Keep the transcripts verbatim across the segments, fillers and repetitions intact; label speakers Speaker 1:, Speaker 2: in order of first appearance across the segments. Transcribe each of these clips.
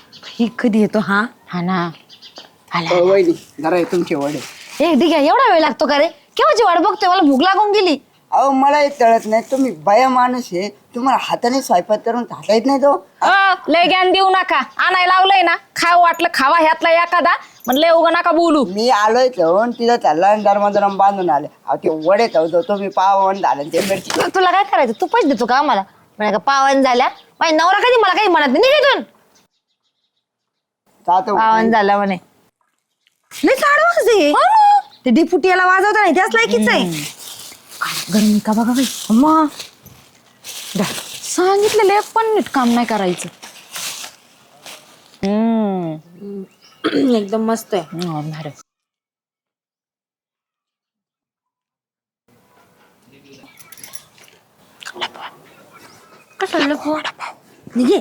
Speaker 1: ही कधी येतो हा
Speaker 2: हा ना आला
Speaker 3: अ, वहिनी जरा तुमचे वडे.
Speaker 1: ए ठीक आहे एवढा वेळ लागतो का रे केव्हाची वाट बघतोय मला भूक लागून गेली.
Speaker 3: अहो मला हे तळत नाही तुम्ही बाया माणूस आहे तुम्हाला हाताने स्वयंपाक करून खाता येत नाही तो.
Speaker 2: अ, लय ज्ञान देऊ नका आणायला लावलंय ना खाव वाटलं खावा ह्यातला एखादा म्हणलं उगा नका बोलू.
Speaker 3: मी आलोय जाऊन तिथं चालला दरम दरम बांधून आले अहो ते वडे ठेवतो तुम्ही पावन झालं ते मिरची.
Speaker 1: तु- तुला काय करायचं तू पैसे देतो का आम्हाला म्हणे का पावन झाल्या माझी नवरा कधी मला काही म्हणत नाही निघेतून
Speaker 3: जातो.
Speaker 1: पावन झालं म्हणे लय साडवाच आहे ते डिपुटी याला वाजवता नाही त्याच लायकीच आहे.
Speaker 2: गरमी का बघा बाई
Speaker 1: अम्मा
Speaker 2: सांगितलेलं एक पण नीट काम नाही करायचं. हम्म
Speaker 1: एकदम मस्त आहे.
Speaker 2: हं, भारी.
Speaker 1: कसं निघे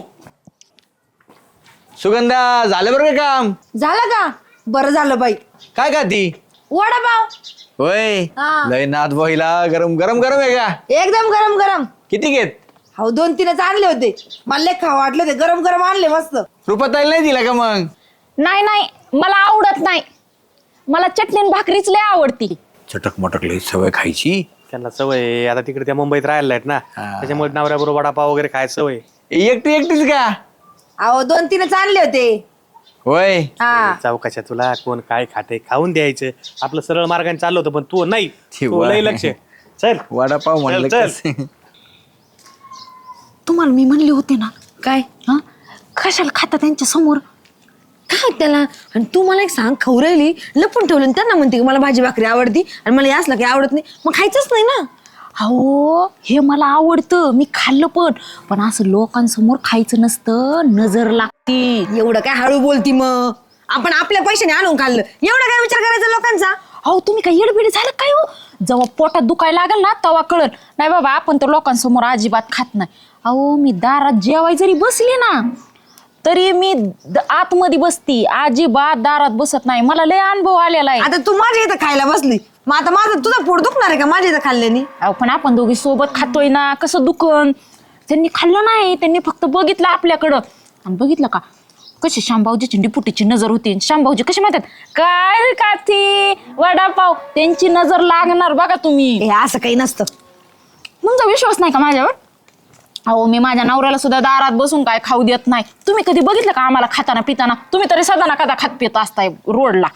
Speaker 4: सुगंधा झालं बरं का काम?
Speaker 1: झालं का बरं झालं बाई
Speaker 4: काय का ती
Speaker 1: वडापाव
Speaker 4: होय
Speaker 1: हा.
Speaker 4: लय नाथ बहिला गरम गरम गरम आहे का?
Speaker 1: एकदम गरम गरम
Speaker 4: किती घेत?
Speaker 1: हो दोन तीनच आणले होते मला लय खावं वाटले होते गरम गरम आणले मस्त.
Speaker 4: रुपाताईला नाही दिला का मग?
Speaker 2: नाही नाही मला आवडत नाही मला चटणी आणि भाकरीच लय आवडती.
Speaker 4: चटक मटक लय सवय खायची.
Speaker 5: त्यांना सवय आहे. आता तिकडे त्या मुंबईत राहिला आहेत ना त्याच्यामुळे नवऱ्याबरोबर वडापाव वगैरे खायची सवय.
Speaker 4: एकटी एकटीच का?
Speaker 1: अहो दोन तीनच आणले होते.
Speaker 4: होय
Speaker 1: हा
Speaker 5: चौकाच्या तुला कोण काय खाते खाऊन द्यायचं आपलं सरळ मार्गाने चाललं होतं पण तू नाही
Speaker 4: ठी
Speaker 5: तू
Speaker 4: वा.
Speaker 5: लय लक्ष चल
Speaker 4: वडापाव म्हणलं
Speaker 5: चल,
Speaker 4: कसं?
Speaker 2: तुम्हाला मी म्हणले होते ना
Speaker 1: काय
Speaker 2: हा कशाला खाता त्यांच्या समोर.
Speaker 1: काय त्याला आणि तू मला एक सांग खाऊ राहिली लपून ठेवलं आणि त्यांना म्हणते की मला भाजी भाकरी आवडती आणि मला याच काही आवडत नाही मग खायचंच नाही ना.
Speaker 2: अहो हे मला आवडतं मी खाल्लं पण पण असं लोकांसमोर खायचं नसतं नजर लागती.
Speaker 1: एवढं काय हळू बोलती मग आपण आपल्या पैशाने आणून खाल्लं एवढा काय विचार करायचा लोकांचा.
Speaker 2: अहो तुम्ही काय येडबिड झालं काय हो जेव्हा पोटात दुखायला लागेल ना तेव्हा कळल नाही बाबा आपण तर लोकांसमोर अजिबात खात नाही. अहो मी दारात जेवाय जरी बसली ना तरी मी द- आतमध्ये बसती अजिबात दारात बसत नाही मला लय अनुभव आलेला आहे.
Speaker 1: आता तू माझ्या इथं खायला बसली मग आता माझं तुझं पोट दुखणार आहे का माझ्या इथं खाल्ल्याने.
Speaker 2: अहो पण आपण दोघी सोबत खातोय ना कसं दुकान त्यांनी खाल्लं नाही त्यांनी फक्त बघितलं आपल्याकडं आणि बघितलं का कशी शांभाऊजीची डिपुटीची नजर होती. शांभाऊजी कशी म्हणतात काय रे काठी वडापाव त्यांची नजर लागणार बघा तुम्ही.
Speaker 1: हे असं काही नसतं.
Speaker 2: तुमचा विश्वास नाही का माझ्यावर. अहो मी माझ्या नवऱ्याला सुद्धा दारात बसून काय खाऊ देत नाही. तुम्ही कधी बघितलं का आम्हाला खाताना पिताना तुम्ही तरी सदा ना कदा खात पित असताय रोडला.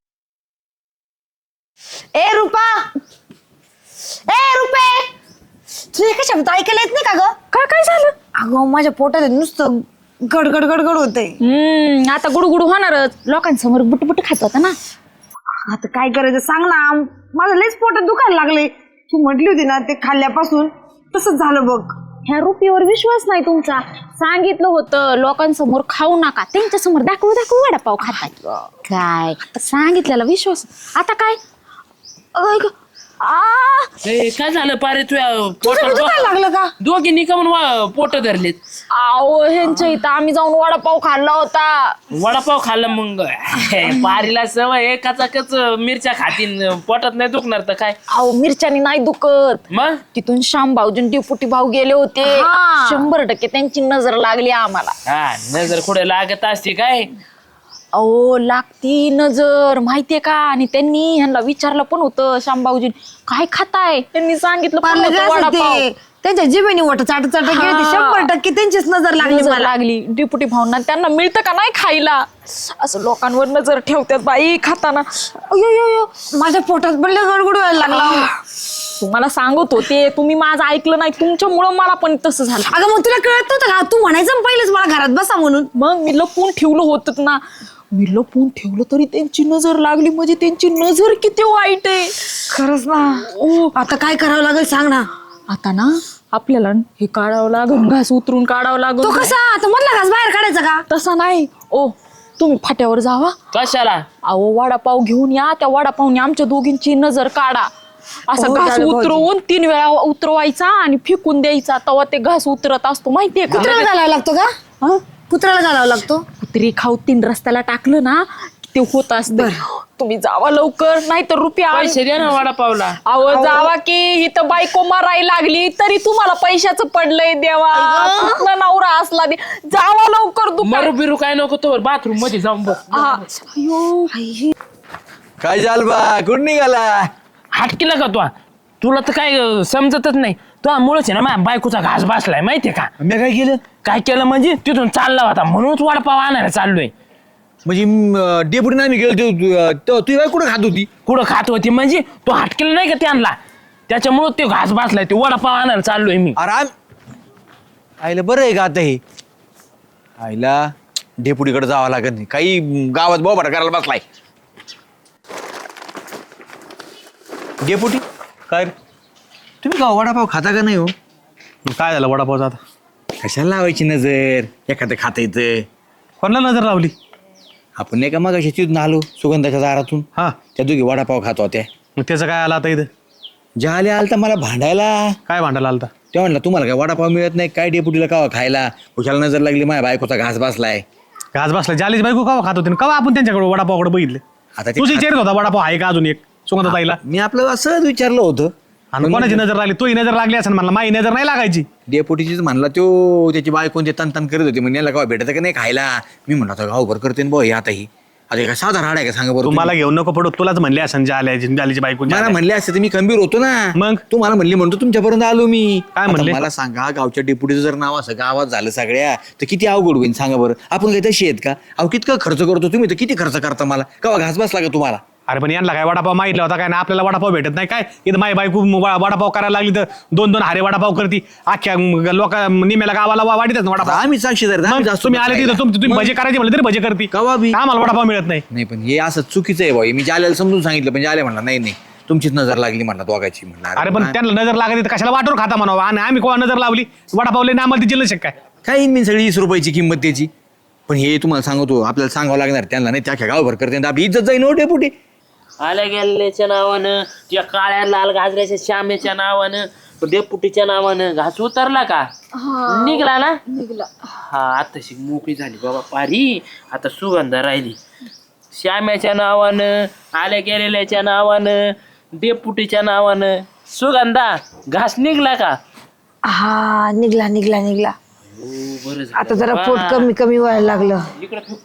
Speaker 1: ए रुपा ए रुपे तुझे एका शब्द ऐकायला येत नाही का ग.
Speaker 2: काय काय झालं.
Speaker 1: अगं माझ्या पोटात नुसतं गडगड गडगड होतंय.
Speaker 2: हम्म आता गुडगुड होणारच लोकांसमोर बुटबुट खात होता ना.
Speaker 1: आता काय करायचं सांग ना माझं लयच पोटात दुखायला लागले. तू म्हटली होती ना ते खाल्ल्यापासून तसंच झालं बघ.
Speaker 2: ह्या रुपीवर विश्वास नाही तुमचा. सांगितलं होतं लोकांसमोर खाऊ नका त्यांच्या समोर दाखवू दाखवू वडापाव खाताय काय सांगितलेला विश्वास. आता काय अगं, ग- आ
Speaker 6: ए, काय झालं पारे तुझ्या
Speaker 1: तुझं
Speaker 6: पोटात
Speaker 1: दुखायला लागलं का.
Speaker 6: दोघींनी का म्हणून पोट धरलेत.
Speaker 2: आओ ह्यांच्या इथं आम्ही जाऊन वडापाव खाल्ला होता.
Speaker 6: वडापाव खाल्ला मग पारीला सवय एकाचा कच मिरच्या खातीन पोटात नाही दुखणार तर काय
Speaker 2: अहो मिरच्यानी नाही दुखत.
Speaker 6: मग
Speaker 2: तिथून श्याम भाऊजी डिपुटी भाऊ गेले होते
Speaker 1: हा.
Speaker 2: शंभर टक्के त्यांची नजर लागली आम्हाला.
Speaker 6: हा नजर कुठे लागत असते काय.
Speaker 2: अहो लागती नजर माहितीये का आणि त्यांनी ह्यांना विचारलं पण होतं श्याम भाऊजी काय खाताय त्यांनी सांगितलं पण
Speaker 1: पार्ले
Speaker 2: होतं
Speaker 1: काय
Speaker 2: वडापाव.
Speaker 1: असते, त्यांच्या जिभेने वाट चाट चाट गेली
Speaker 2: हा.
Speaker 1: शंभर टक्के त्यांचीच नजर लागली
Speaker 2: नजर
Speaker 1: मला.
Speaker 2: लागली डिपुटी भाऊंना त्यांना मिळतं का नाही खायला असं लोकांवर नजर ठेवतात बाई खाताना. अयो, यो, यो.
Speaker 1: माझ्या पोटात पण लय गडगड व्हायला लागला.
Speaker 2: तुम्हाला सांगत होते तुम्ही माझं ऐकलं नाही तुमच्यामुळं मला पण तसं झालं.
Speaker 1: अगं मग तुला कळत नव्हतं का तू म्हणायचं ना पहिलेच मला घरात बसा म्हणून.
Speaker 2: मग मी लपून ठेवलं होतं ना मी लपून ठेवलं तरी त्यांची नजर लागली म्हणजे त्यांची नजर किती वाईट आहे.
Speaker 1: खरंच ना.
Speaker 2: ओ
Speaker 1: आता काय करावं लागेल सांग ना.
Speaker 2: आता ना आपल्याला हे काढावं लागल घास उतरून काढावं
Speaker 1: तो
Speaker 2: लागल.
Speaker 1: कसा आता मधला घास बाहेर काढायचा का.
Speaker 2: तसा नाही ओ तुम्ही फाट्यावर जावा
Speaker 6: कशाला
Speaker 2: अहो वडापाव घेऊन या त्या वडापावने आमच्या दोघींची नजर काढा. असा
Speaker 1: हो,
Speaker 2: घास
Speaker 1: झालं भाऊजी.
Speaker 2: उतरवून तीन वेळा उतरवायचा आणि फेकून द्यायचा तेव्हा ते घास उतरत असतो माहितीये का.
Speaker 1: कुत्र्याला घालावा लागतो का.
Speaker 2: हं?
Speaker 1: कुत्र्याला घालावा लागतो.
Speaker 2: कुत्री खाऊ तीन रस्त्याला टाकलं ना की ते होत असतं. तुम्ही जावा लवकर नाही तर रुपया आण-
Speaker 6: पैसे द्या ना वडापावला.
Speaker 2: अहो जावा की इथं बायको मारायला लागली तरी तुम्हाला पैशाचं पडलंय देवा कुठला नवरा असला दे जावा लवकर दुकान
Speaker 6: मरू बिरू काय नको तो बाथरूम मध्ये जाऊन बस.
Speaker 2: हा. अयो.
Speaker 4: काय झाल बा कुठं निघाला?
Speaker 6: हटकीला का तू तुला तर काय अं, समजतच नाही. तो मुळच आहे ना माझ्या बायकोचा घास बसलाय माहितीये का.
Speaker 4: मी काय केलं?
Speaker 6: काय केलं म्हणजे तिथून चालला होता म्हणूनच वडापाव आणायला चाललोय.
Speaker 4: म्हणजे डेपुटी आम्ही गेलो तुझी बाई कुठं खात होती?
Speaker 6: कुठं खात होती म्हणजे तो हटकेला नाही का त्यांना त्याच्यामुळं ते घास बसलाय ते वडापाव आणायला चाललोय मी.
Speaker 4: आराम आईला बरं आहे का आता हे? आईला डेपुटीकडे जावं लागत नाही काही गावात बोबाटा करायला बसलाय. डेपुटी
Speaker 5: काय रे?
Speaker 4: तुम्ही का वडापाव खाता का नाही हो?
Speaker 5: काय झालं वडापावचा आता?
Speaker 4: कशाला लावायची नजर एखादं खाता येतं.
Speaker 5: कोणाला नजर लावली?
Speaker 4: आपण नाही का मग तिथून आलो सुगंधाच्या दारातून
Speaker 5: हा
Speaker 4: त्या दोघी वडापाव खात होत्या.
Speaker 5: मग त्याचं काय आलं आता इथं?
Speaker 4: ज्या आले आलं तर मला भांडायला
Speaker 5: काय भांडायला आलता?
Speaker 4: ते म्हणलं तुम्हाला काय वडापाव मिळत नाही काय डेपुटीला कावा खायला खुशाला नजर लागली माझ्या बायकोचा घास बसलाय.
Speaker 5: घास बसला जालीच बायको कवा खात होते कवा आपण त्यांच्याकडे वडापावकडे बघितले.
Speaker 4: आता ते
Speaker 5: तुझी
Speaker 4: खात-
Speaker 5: विचारत होता वडापाव आहे का अजून एक सुगंधा ताईला
Speaker 4: मी आपलं असंच विचारलं होतं
Speaker 5: आणि कोणाची नजर लागली? तोही नजर लागली असं म्हणला माझी नजर नाही लागायची.
Speaker 4: डेपुटीचीच म्हणला तो त्याची बायको ते तन तन करत होती म्हणजे याला केव्हा भेटत का नाही खायला. मी म्हणलं आता गावभर करते ना हे आता ही आता काय साधा राड आहे का सांगा बरं
Speaker 5: तुम्हाला
Speaker 4: तुम्ही?
Speaker 5: घेऊन नको पडू तुलाच म्हणले असं जाल्या जालीची बायको
Speaker 4: मला
Speaker 5: जाल्या.
Speaker 4: म्हणले असते तर मी खंबीर होतो ना.
Speaker 5: मग?
Speaker 4: तुम्हाला म्हणली म्हणतो तुमच्यापर्यंत आलो मी.
Speaker 5: काय
Speaker 4: आता
Speaker 5: म्हणले?
Speaker 4: मला सांगा गावच्या डेपुटीचं जर नाव असं गावात झालं सगळ्या तर किती अवघड होईल सांगा बरं. आपण काही तशी आहेत का? अहो कितकं खर्च करतो तुम्ही तर किती खर्च करता मला केव्हा घास बसला का तुम्हाला?
Speaker 5: अरे पण यांना काय वडापाव माहितला होता काय ना आपल्याला वडापाव भेटत नाही काय इथं माझी बायको व- वडापाव करायला लागली तर दोन दोन हारे वडापाव करती अख्ख्या लोक निम्याला गावाला वा- वाढीतच ना
Speaker 4: आता
Speaker 5: वडापाव.
Speaker 4: आम्ही साक्षीदार आहेत,
Speaker 5: मग
Speaker 4: आम्ही जास्त
Speaker 5: तुम्ही आले तिथं तुम- तुम्ही
Speaker 4: मग?
Speaker 5: भजे करायचे म्हणलं तरी भजे करती
Speaker 4: कवा बी?
Speaker 5: आम्हाला वडापाव मिळत नाही.
Speaker 4: नाही पण हे असं चुकीचं आहे भाई. मी जाल्याला समजून सांगितलं पण जाल्या म्हणला नाही नाही तुमचीच नजर लागली म्हणला दोघाची म्हणला.
Speaker 5: अरे पण त्यांना नजर लागत तर कशाला वाटून खाता म्हणावं आणि आम्ही कोणा नजर लावली वडापावले ना आम्हाला तिची शक काय.
Speaker 4: काय येईन मी सगळी वीस रुपयाची किंमत त्याची. पण हे तुम्हाला सांगतो आपल्याला सांगावं लागणार त्यांना नाही त्या गावभर करते तर आपली इज्जत जाईन हो डेपुटी.
Speaker 6: आल्या गेल्याच्या नावानं त्या काळ्या लाल गाजऱ्याच्या श्यामेच्या नावानं डेपुटीच्या नावानं घास उतरला का निघला ना.
Speaker 2: निघला.
Speaker 6: हा आताशी मोकळी झाली बाबा पारी. आता सुगंधा राहिली श्याम्याच्या नावानं आल्या गेलेल्याच्या नावानं डेपुटीच्या नावानं. सुगंधा घास निघला का?
Speaker 1: हा निघला निघला निघला.
Speaker 6: हो बरं झालं.
Speaker 1: आता जरा पोट कमी कमी व्हायला लागलं.
Speaker 6: इकडं ठेव.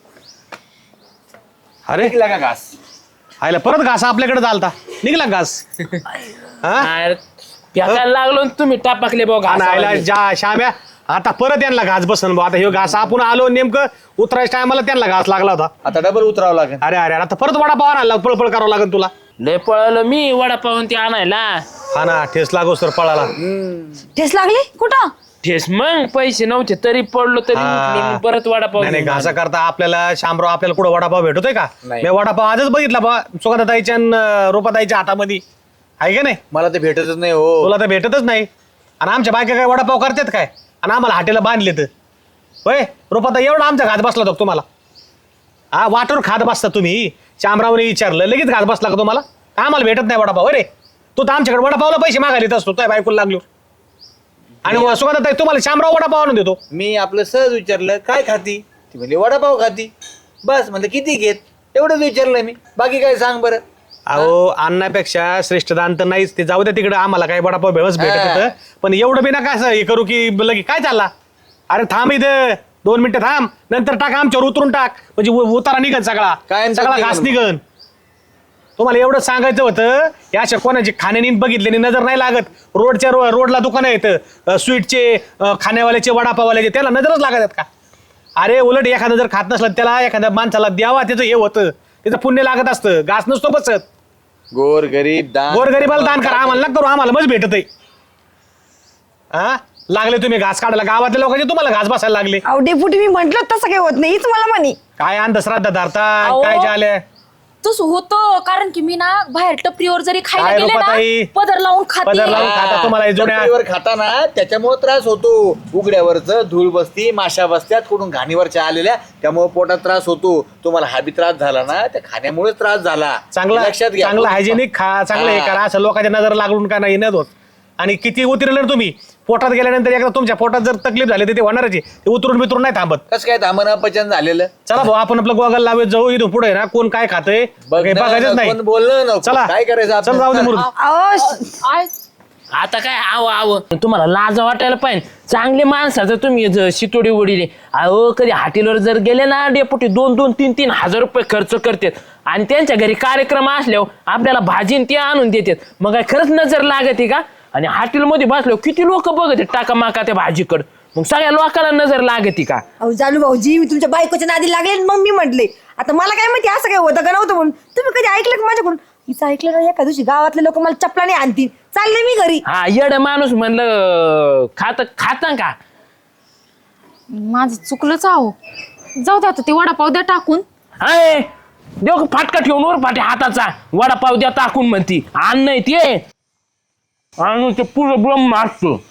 Speaker 5: अरे
Speaker 4: का घास
Speaker 5: आयला परत घास आपल्याकडे चालता निघला घास. हा
Speaker 6: अरे, फेकायला लागलो न तुम्ही टापाकले बघा
Speaker 5: आणि आयला जा शाम्या आता परत यांना घास बसन बा. आता हे घास आपण आलो नेमकं उतरायच्या टायमाला त्यांना घास लागला होता.
Speaker 4: आता डबल उतरावं लागेल.
Speaker 5: अरे अरे आता परत वडापाव आणायला पळपळ करावं लागेल तुला.
Speaker 6: लय पळालो मी वडापाव ते आणायला.
Speaker 5: हा ना ठेस लागो सर पळाला.
Speaker 1: ठेस लागली कुठं?
Speaker 6: ठेस मग पैसे नव्हते तरी पडलो तरी
Speaker 5: हा.
Speaker 6: उठलो, मग परत वडापाव
Speaker 5: नाही नाही
Speaker 6: घेऊन
Speaker 5: घासा
Speaker 6: आलो.
Speaker 5: करता आपल्याला शामराव आपल्याला कुठं वडापाव भेटतोय का? मी वडापाव आजच बघितला बा सुगंधाताईच्या आणि रूपाताईच्या हातामध्ये आहे का नाही.
Speaker 4: मला ते भेटतच नाही हो.
Speaker 5: तुला तर भेटतच नाही आणि आमच्या बायका काय वडापाव करतात काय आणि आम्हाला हाटेला बांधले तर होय. रूपाताई एवढा आमचा घात बसला होता तुम्हाला. हा वाटून खात बसता तुम्ही. शामरावने विचारलं लगेच घात बसला का तुम्हाला? आम्हाला भेटत नाही वडापाव अरे. तू तर आमच्याकडे वडापावला पैसे मागायला येत असतो काय बायकोला लागलो आणि सुगंधाताई तुम्हाला शामराव वडापाव आणून देतो.
Speaker 4: मी आपलं सहज विचारलं काय खाती ती म्हणजे वडापाव खाती बस म्हणलं किती घेत एवढंच विचारलं मी बाकी काय सांग बरं.
Speaker 5: अहो अन्नापेक्षा श्रेष्ठ दान तर नाहीच ते जाऊ द्या तिकडे आम्हाला काय वडापाव भेवच भेटत
Speaker 4: हा.
Speaker 5: होतं पण एवढं बिना काय असं हे करू की लगे काय चालला. अरे थांब इथं दोन मिनिटं थांब नंतर टाक आमच्यावर उतरून टाक म्हणजे उ- उतारा निघन सगळा
Speaker 4: कायम
Speaker 5: सगळा
Speaker 4: निघन
Speaker 5: घास
Speaker 4: मग.
Speaker 5: निघन. तुम्हाला एवढं सांगायचं होतं या अशा कोणाची खाण्यानी बघितल्याने नजर नाही लागत. रोडच्या रो रोडला दुकानं येतं स्वीटचे अं, खाण्यावाल्याचे वडापाववाल्याचे त्याला नजरच लागत का? अरे उलट एखादं जर खात नसलं त्याला एखाद्या माणसाला द्यावा त्याचं हे होतं त्याचं पुण्य लागत असतं. घास नसतो बसत.
Speaker 4: गोर गरीब दान
Speaker 5: गोरगरीबाला दान करा आम्हाला नका करू आम्हाला मज भेटत आहे. हा लागले तुम्ही घास काढायला गावातल्या लोकांचे तुम्हाला घास बसायला लागले.
Speaker 1: अहो डेपुटी मी म्हंटल तसं काही होत नाही हीच मला म्हणी.
Speaker 5: काय अंधश्रद्धा धरता
Speaker 2: अहो.
Speaker 5: काय झाले.
Speaker 2: तसं होतं कारण की मी ना बाहेर टपरीवर जरी खायला
Speaker 5: काय
Speaker 2: गेले
Speaker 5: रूपाताई?
Speaker 2: ना पदर लावून
Speaker 5: पदर लावून
Speaker 2: खाते.
Speaker 5: खाता तुम्हाला हे जुन्या
Speaker 4: टपरीवर खाताना त्याच्यामुळे त्रास होतो. उघड्यावरच धूळ बसती माशा बसत्यात कुठून घाणीवरच्या आलेल्या त्यामुळे पोटात त्रास होतो. तुम्हाला हा बी त्रास झाला ना त्या खाण्यामुळे त्रास झाला.
Speaker 5: चांगला
Speaker 4: लक्षात घ्या.
Speaker 5: चांगला हायजेनिक खा चांगलं हे
Speaker 4: हा.
Speaker 5: करा असं लोकांच्या नजर लागून का नाही येत होत. आणि किती उतरलं तुम्ही पोटात गेल्यानंतर एकदा तुमच्या पोटात जर तकलीफ झाली तर ते होणारच आहे. ते उतरून बितरून नाही थांबत.
Speaker 4: कसं काय थांबणं पचन झालेलं?
Speaker 5: चला भाऊ आपण आपलं गोगल लावत जाऊ. इथून पुढे ना कोण काय खातंय
Speaker 4: बघ
Speaker 5: काही
Speaker 4: ना,
Speaker 5: बघायचंच नाही.
Speaker 4: कोण बोललं नको.
Speaker 5: चला
Speaker 4: काय करायचं आपण?
Speaker 5: चल जाऊ दे मुरुड.
Speaker 1: अहो
Speaker 6: आता काय आव आव तुम्हाला लाज वाटायला पाहिजे. चांगले माणसाचं तुम्ही ज- शितोडी उडीले. अहो कधी हॉटेलवर जर गेले ना डेपुटी दोन दोन तीन तीन हजार रुपये खर्च करतात आणि त्यांच्या घरी कार्यक्रम असल्यावर आपल्याला भाजीन ते आणून देतात. मग काय खरंच नजर लागते का? आणि हॉटेलमध्ये बसल्यावर किती लोक बघत टाका माका त्या भाजीकडं. मग सगळ्या लोकांना नजर लागते का?
Speaker 1: अहो जालू भाऊजी मी तुमच्या बायकोच्या नादी लागले आणि मग मी म्हटले आता मला काय माहिती असं काय होतं का नव्हतं म्हणून. तुम्ही कधी ऐकलं का माझ्याकडून? हिचं ऐकलं ना एका दिवशी गावातले लोक मला चपलाने आणतील. चालले मी घरी.
Speaker 6: हा येड माणूस म्हणलं खात खाता का?
Speaker 2: माझं चुकलंच आहो. जाऊ द्या आता ते वडापाव द्या टाकून.
Speaker 6: हाय देव फाटका ठेवून वर फाटे हाताचा वडापाव द्या टाकून म्हणती. आण नाही ते आणि ते पुरं ब्रह्म असतो.